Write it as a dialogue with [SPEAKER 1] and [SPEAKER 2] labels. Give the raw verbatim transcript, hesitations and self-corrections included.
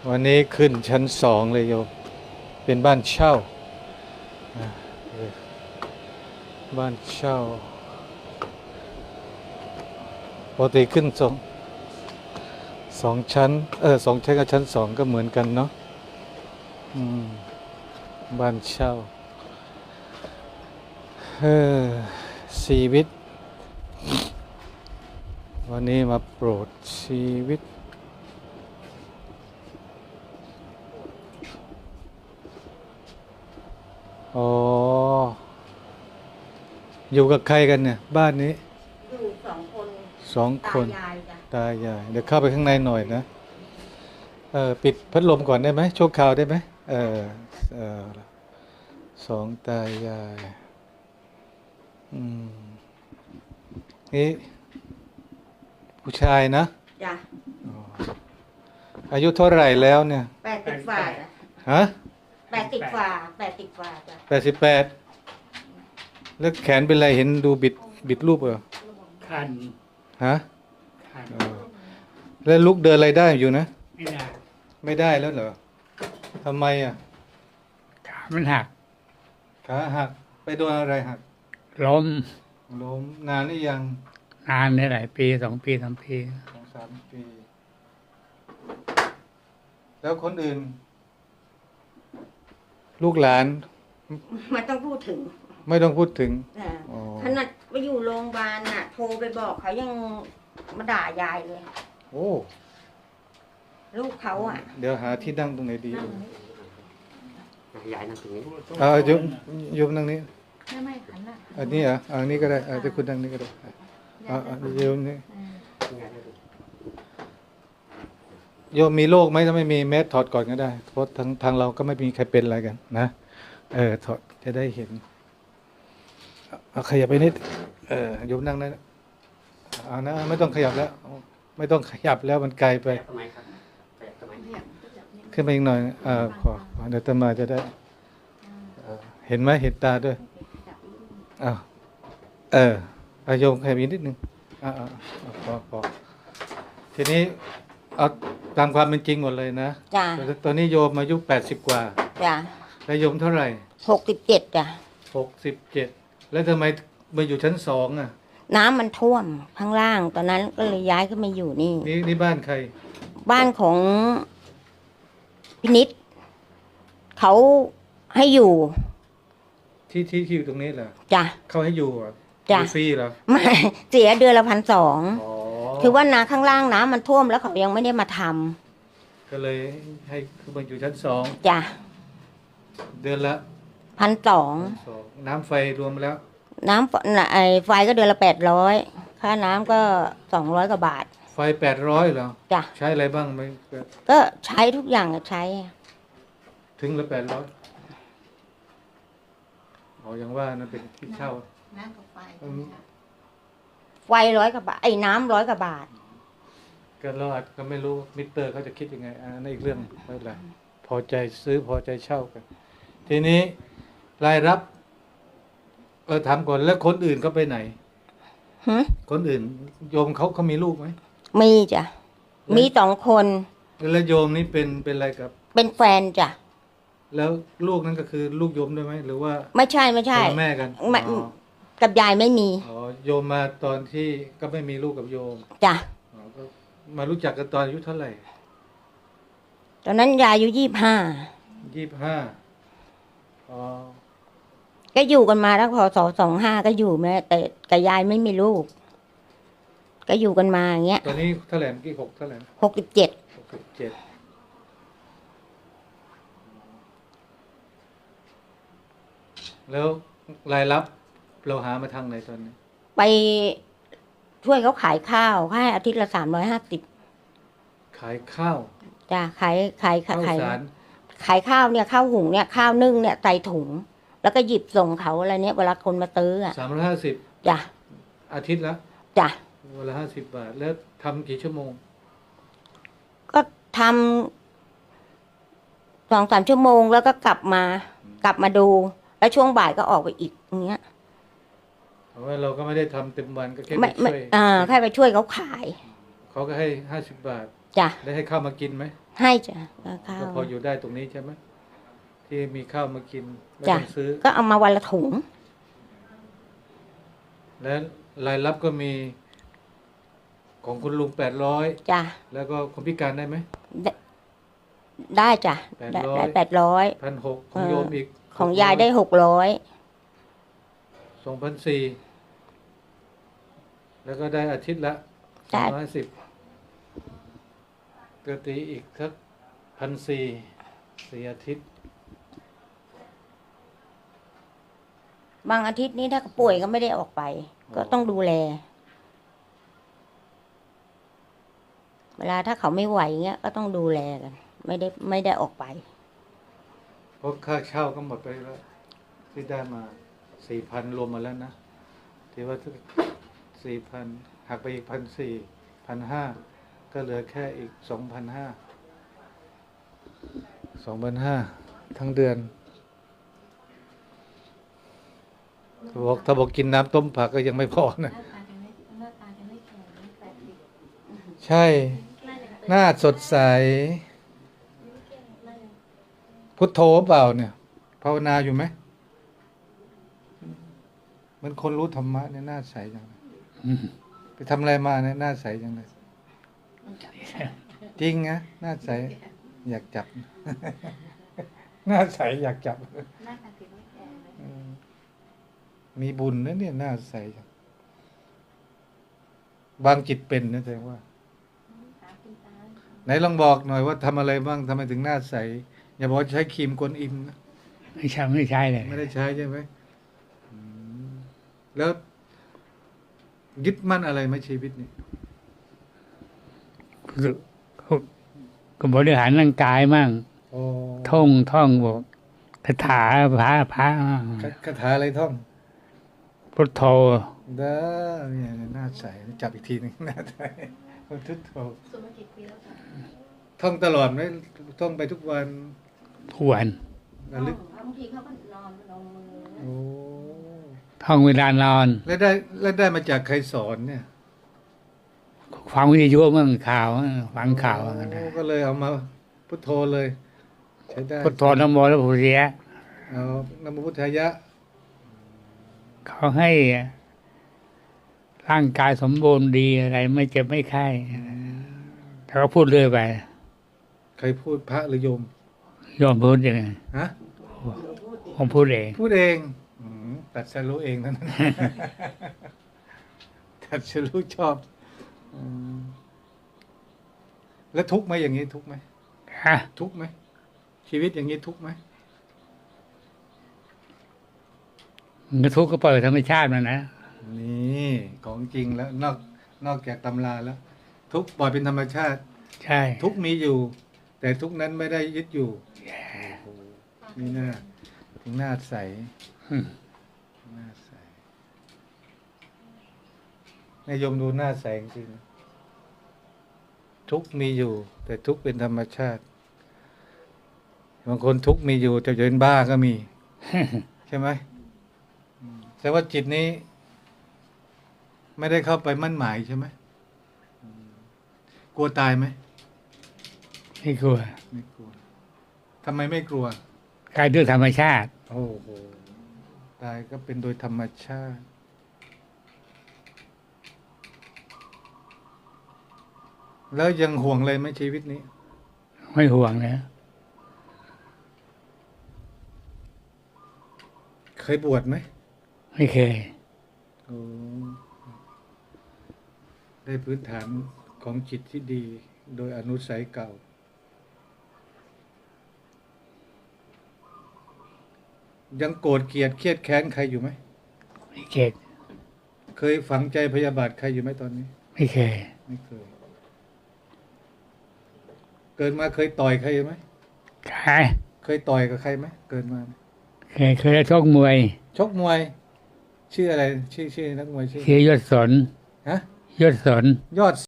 [SPEAKER 1] วันนี้ขึ้นชั้นสองเลยโยมเป็นบ้านเช่าบ้านเช่าปกติขึ้นสองสองชั้นเออสองชั้นกับชั้นสองก็เหมือนกันเนาะอืมบ้านเช่าเออชีวิตวันนี้มาโปรดชีวิตอ๋ออยู่กับใครกันเนี่ยบ้านนี้
[SPEAKER 2] อยู่สองคน
[SPEAKER 1] สองค
[SPEAKER 2] ตานยายจ้ะ
[SPEAKER 1] ตายายเดี๋ยวเข้าไปข้างในหน่อยนะเออปิดพัดลมก่อนได้ไหมชั่วคราวได้ไหมเออเออสองตายายอืมนี่ผู้ชายนะ
[SPEAKER 2] จ้ะ
[SPEAKER 1] อ๋ออายุเท่าไหร่แล้วเนี่ย
[SPEAKER 2] แปดสิบฝ่าจ้ะ
[SPEAKER 1] ฮะ
[SPEAKER 2] แปดสิบฝ่าแปดสิบฝ่าจ้ะ
[SPEAKER 1] แปดสิบแปดแล้วแขนเป็นไรเห็นดูบิดบิดรูปเหรอ
[SPEAKER 3] คัน
[SPEAKER 1] ฮะ
[SPEAKER 3] คัน
[SPEAKER 1] เออแล้วลุกเดินอะไรได้อยู่นะ
[SPEAKER 3] ไม่ได้
[SPEAKER 1] ไม่ได้แล้วเหรอทำไมอ่ะ
[SPEAKER 3] ขามันหัก
[SPEAKER 1] ขาหักไปโดนอะไรหัก
[SPEAKER 3] ล้ม
[SPEAKER 1] ล้มนานหรือยัง
[SPEAKER 3] นานได้หลายปีสองปีสามปี
[SPEAKER 1] สองสามปี แล้วคนอื่น ลูกหลาน
[SPEAKER 2] ไม่ต้องพูดถึง
[SPEAKER 1] ไม่ต้องพูดถึง
[SPEAKER 2] นะขนาดไปอยู่โรงพยาบาลน่ะโทรไปบอกเขายังมาด่ายายเลย
[SPEAKER 1] โอ้
[SPEAKER 2] ลูกเขาอ่ะ
[SPEAKER 1] เดี๋ยวหาที่นั่งตรงไหนดี
[SPEAKER 4] ยายนั่งตรงนี้
[SPEAKER 1] อ่าโยมโยมนั่งนี้
[SPEAKER 2] ไม่ไม่ขันละ
[SPEAKER 1] อันนี้เหรออันนี้ก็ได้อาจจะคุณนั่งนี้ก็ได้อ่าโยมนี่โยมมีโรคไหมถ้าไม่มีแมสถอดก่อนก็ได้เพราะทางทางเราก็ไม่มีใครเป็นอะไรกันนะเออถอดจะได้เห็นเอาขยับไปนิดเออโยมนั่งได้เอานะไม่ต้องขยับแล้วไม่ต้องขยับแล้วมันไกลไป
[SPEAKER 4] ทำไมครับทำไม
[SPEAKER 1] ขึ้นไปอีกหน่อยอ่าขอเดี๋ยวตมาจะได้เห็นไหมเห็นตาด้วยอ้าวเอออาโยมขยับอีกนิดนึงอ่าพอพอทีนี้เอาตามความเป็นจริงหมดเลยนะ
[SPEAKER 2] จ้ะ
[SPEAKER 1] ตอนนี้โยมอายุแปดสิบกว่า
[SPEAKER 2] จ้ะ
[SPEAKER 1] แล้วโยมเท่าไหร่
[SPEAKER 2] หกสิบเจ็ดจ้ะ
[SPEAKER 1] หกสิบเจ็ดแล้วทำไมมาอยู่ชั้นสองอ่ะ
[SPEAKER 2] น้ำมันท่วมข้างล่างตอนนั้นก็เลยย้ายขึ้นมาอยู่นี่
[SPEAKER 1] นี่นี่บ้านใคร
[SPEAKER 2] บ้านของพินิษเขาให้อยู่
[SPEAKER 1] ที่ที่ที่อยู่ตรงนี้เหรอ
[SPEAKER 2] จ้ะ
[SPEAKER 1] เขาให้อยู่อ่ะ
[SPEAKER 2] จ้ะ
[SPEAKER 1] ฟรีเหรอ
[SPEAKER 2] ไม่เสียเดือนละพันสอง
[SPEAKER 1] อ๋อ
[SPEAKER 2] คือว่านาข้างล่างน้ำมันท่วมแล้วเขายังไม่ได้มาท
[SPEAKER 1] ำก็เลยให้คือมาอยู่ชั้นสอง
[SPEAKER 2] จ้ะ
[SPEAKER 1] เดือนละ
[SPEAKER 2] พันสอง
[SPEAKER 1] น้ำไฟรวมแล้ว
[SPEAKER 2] น้ำไอไฟก็เดือนละแปดร้อยค่าน้ำก็สองร้อยกว่าบาท
[SPEAKER 1] ไฟแปดร้อยเหรอ
[SPEAKER 2] จ้ะ
[SPEAKER 1] ใช้อะไรบ้างไม่
[SPEAKER 2] ก็ใช้ทุกอย่างใช้
[SPEAKER 1] ถึงละแปดร้อยอ๋อยังว่านั่นเป็นที่เช่า
[SPEAKER 2] น้ำกับไฟไฟร้อยกว่าบาทไอ้น้ำร้อยกว่าบาท
[SPEAKER 1] ก็เราอาจก็ไม่รู้มิเตอร์เขาจะคิดยังไงอันนั้นอีกเรื่องไม่เป็นไรพอใจซื้อพอใจเช่ากันทีนี้รายรับเออถามก่อนแล้วคนอื่นก็ไปไหนคนอื่นโยมเขาเขามีลูกไหม
[SPEAKER 2] มีจ้ะมีสองคน
[SPEAKER 1] แล้วโยมนี่เป็นเป็นอะไรกับ
[SPEAKER 2] เป็นแฟนจ้ะ
[SPEAKER 1] แล้วลูกนั้นก็คือลูกโยมด้วยไหมหรือว่า
[SPEAKER 2] ไม่ใช่ไม่ใช่
[SPEAKER 1] แม่กัน
[SPEAKER 2] กับยายไม่มี
[SPEAKER 1] อ๋อโยมมาตอนที่ก็ไม่มีลูกกับโยม
[SPEAKER 2] จ้ะ
[SPEAKER 1] มารู้จักกันตอนอายุเท่าไหร่
[SPEAKER 2] ตอนนั้นยายอายุยี่สิบห้า
[SPEAKER 1] ยี่สิบห้าอ๋อ
[SPEAKER 2] ก็อยู่กันมาแล้วพอสองสองห้าก็อยู่แม่แต่กับยายไม่มีลูกก็อยู่กันมาอย่างเงี้ย
[SPEAKER 1] ตอนนี้เท่าไหร่เมื่อกี้หกเท่าไหร่
[SPEAKER 2] หกสิบเจ็ด
[SPEAKER 1] หกสิบเจ็ดแล้วรายรับเราหามาทางไหนตอนนี้
[SPEAKER 2] ไปช่วยเขาขายข้าวให้อาทิตย์ละสามร้อยห้าสิบ
[SPEAKER 1] ขายข้าว
[SPEAKER 2] จ้ะขายขาย
[SPEAKER 1] ขาย
[SPEAKER 2] ขายข้าวเนี่ยข้าวหุงเนี่ยข้าวนึ่งเนี่ยใส่ถุงแล้วก็หยิบส่งเขาอะไรเนี้ยเวลาคนมาซื้ออ่ะ
[SPEAKER 1] สามร้อยห้าสิบ
[SPEAKER 2] จ้ะ
[SPEAKER 1] อาทิตย์ละ
[SPEAKER 2] จ้ะ
[SPEAKER 1] เวลาห้าสิบบาทแล้วทำกี่ชั่วโมง
[SPEAKER 2] ก็ทำสองสามชั่วโมงแล้วก็กลับมา กลับมาดูแล้วช่วงบ่ายก็ออกไปอีกอย่างเงี้ย
[SPEAKER 1] เพราะว่าเราก็ไม่ได้ทำเต็มวันก็แค่ไปช่วย
[SPEAKER 2] อ่าแค่ไปช่วยเขาขาย
[SPEAKER 1] เขาก็ให้ห้าสิบบาท
[SPEAKER 2] จ้ะ
[SPEAKER 1] ได้ให้ข้าวมากินไหม
[SPEAKER 2] ให้จ้ะข้าว
[SPEAKER 1] ก็พออยู่ได้ตรงนี้ใช่ไหมที่มีข้าวมากินไม่
[SPEAKER 2] จ้ะ
[SPEAKER 1] ต้องซื้อ
[SPEAKER 2] ก็เอามาวันละถุง
[SPEAKER 1] แล้วรายรับก็มีของคุณลุงแปดร้อย
[SPEAKER 2] จ้ะ
[SPEAKER 1] แล้วก็คนพิการได้ไหม
[SPEAKER 2] ได้ได้จ้ะได้
[SPEAKER 1] แปดร้อย
[SPEAKER 2] ได้แปดร้อย
[SPEAKER 1] พันหกของโยมอีก
[SPEAKER 2] ของยายได้หกร้อย
[SPEAKER 1] สองพันสี่แล้วก็ได้อาทิตย์ละสองร้อยสิบก็ตีอีกสักพันสี่สี่อาทิตย์
[SPEAKER 2] บางอาทิตย์นี้ถ้าป่วยก็ไม่ได้ออกไป ก็ต้องดูแล เวลาถ้าเขาไม่ไหวเงี้ยก็ต้องดูแลกัน ไม่ได้ไม่ได้ออกไป
[SPEAKER 1] เพราะค่าเช่าก็หมดไปแล้ว ที่ได้มาสี่พันรวมมาแล้วนะที่ว่าสี่พันหักไปอีกพันสี่พันห้าก็เหลือแค่อีกสองพันห้าสองพันห้าทั้งเดือนถ้าบอกถ้าบอกกินน้ำต้มผักก็ยังไม่พอนะ ใช่ หน้าสดใส พุทโธเปล่าเนี่ย ภาวนาอยู่ไหมเหมันคนรู้ธรรมะเนี่ยหน้าใสจังเลย
[SPEAKER 3] อืม
[SPEAKER 1] ไปทำอะไรมาเนี่ยหน้าใสจังเลย จริงนะหน้าใส อยากจับ หน้าใสอยากจับอืมมีบุญนะเนี่ยหน้าใสจังบางจิตเป็นนะแสดงว่า ไหนลองบอกหน่อยว่าทำอะไรบ้างทำไมถึงหน้าใส อย่าบอกว่าใช้ครีมกวนอิมนะ
[SPEAKER 3] ไม่ใช่ไม่ใช่เลย
[SPEAKER 1] ไม่ได้ใช้ใช่ไหมอืมแล้วยึดมั่นอะไรไหมชีวิตนี้
[SPEAKER 3] ก็บริหารร่างกายมั่ง
[SPEAKER 1] โอ้
[SPEAKER 3] ท่องท่องบอกคาถาพระพระ
[SPEAKER 1] คาคาถาอะไรท่อง
[SPEAKER 3] พุทโธ
[SPEAKER 1] เด้อเนี่ยหน้าใสจับอีกทีหนึงหน้าใสทุกโถท่องตลอดไหมท่องไปทุกวัน
[SPEAKER 3] ทวน
[SPEAKER 1] ระลึก
[SPEAKER 2] บางทีเขาก็นอนลงมือ
[SPEAKER 1] โอ้
[SPEAKER 3] ท่องเวลานอน
[SPEAKER 1] แล้วได้แล้วได้มาจากใครสอนเนี่ย
[SPEAKER 3] ฟังวิทยุมั่งข่าวฟังข่าว
[SPEAKER 1] โอ้
[SPEAKER 3] กันนะ
[SPEAKER 1] ก็เลยเอามาพุทโธเลย ใช้ได้
[SPEAKER 3] พุทโธนโมแล้วพุทธิยะ
[SPEAKER 1] เอานโมพุทธายะ
[SPEAKER 3] เขาให้ร่างกายสมบูรณ์ดีอะไร ไม่เจ็บไม่ไข้เขาก็พูดเรื่อยไป
[SPEAKER 1] ใครพูดพระหรือโยม
[SPEAKER 3] ยอมพูดยังไง
[SPEAKER 1] ฮะ
[SPEAKER 3] ผมพูดเอง
[SPEAKER 1] พูดเองอืมตัดสรู้เองนั่น ตัดสรู้ชอบอืมแล้วทุกข์ไหมอย่างนี้ทุกข์ไหม
[SPEAKER 3] ฮะ
[SPEAKER 1] ทุกข์ไหมชีวิตอย่างนี้ทุกข์ไหม
[SPEAKER 3] มันก็ทุกข์ก็ปล่อยธรรมชาติมันนะ
[SPEAKER 1] นี่ของจริงแล้ว นอกนอกจากตำราแล้ว ทุกข์ปล่อยเป็นธรรมชาติ
[SPEAKER 3] ใช่
[SPEAKER 1] ทุกข์มีอยู่ แต่ทุกข์นั้นไม่ได้ยึดอยู่โอ้โหนี่หน้าถึงหน้าใส
[SPEAKER 3] อืม
[SPEAKER 1] หน้าใสนายโยมดูหน้าใสจริงๆทุกข์มีอยู่ แต่ทุกข์เป็นธรรมชาติ บางคนทุกข์มีอยู่แต่จะเป็นบ้าก็มี ใช่ไหมอืมแต่ว่าจิตนี้ ไม่ได้เข้าไปมั่นหมายใช่ไหมอืมกลัวตายไหม
[SPEAKER 3] ไม่กลัว
[SPEAKER 1] ไม่กลัวทำไมไม่กลัว
[SPEAKER 3] กายด้วยธรรมชาติ
[SPEAKER 1] โอ้โหตายก็เป็นโดยธรรมชาติ แล้วยังห่วงเลยไหมชีวิตนี้
[SPEAKER 3] ไม่ห่วงนะ
[SPEAKER 1] เคยบวชไหม
[SPEAKER 3] ไม่เคย
[SPEAKER 1] โอ้ได้พื้นฐานของจิตที่ดี โดยอนุสัยเก่า ยังโกรธเกลียดเครียดแค้นใครอยู่ไหม
[SPEAKER 3] ไม่เก็ด
[SPEAKER 1] เคยฝังใจพยาบาทใครอยู่ไหมตอนนี้
[SPEAKER 3] ไม่เคย
[SPEAKER 1] ไม่เคย เกิดมาเคยต่อยใครไหม
[SPEAKER 3] ใคร
[SPEAKER 1] เคยต่อยกับใครไหมเกิดมา
[SPEAKER 3] เคยเคยได้ชกมวย
[SPEAKER 1] ชกมวย ชื่ออะไร ชื่อชื่อนักมวยชื่อ
[SPEAKER 3] ชื่อยศสน
[SPEAKER 1] ฮะ
[SPEAKER 3] ยศสน
[SPEAKER 1] ยอด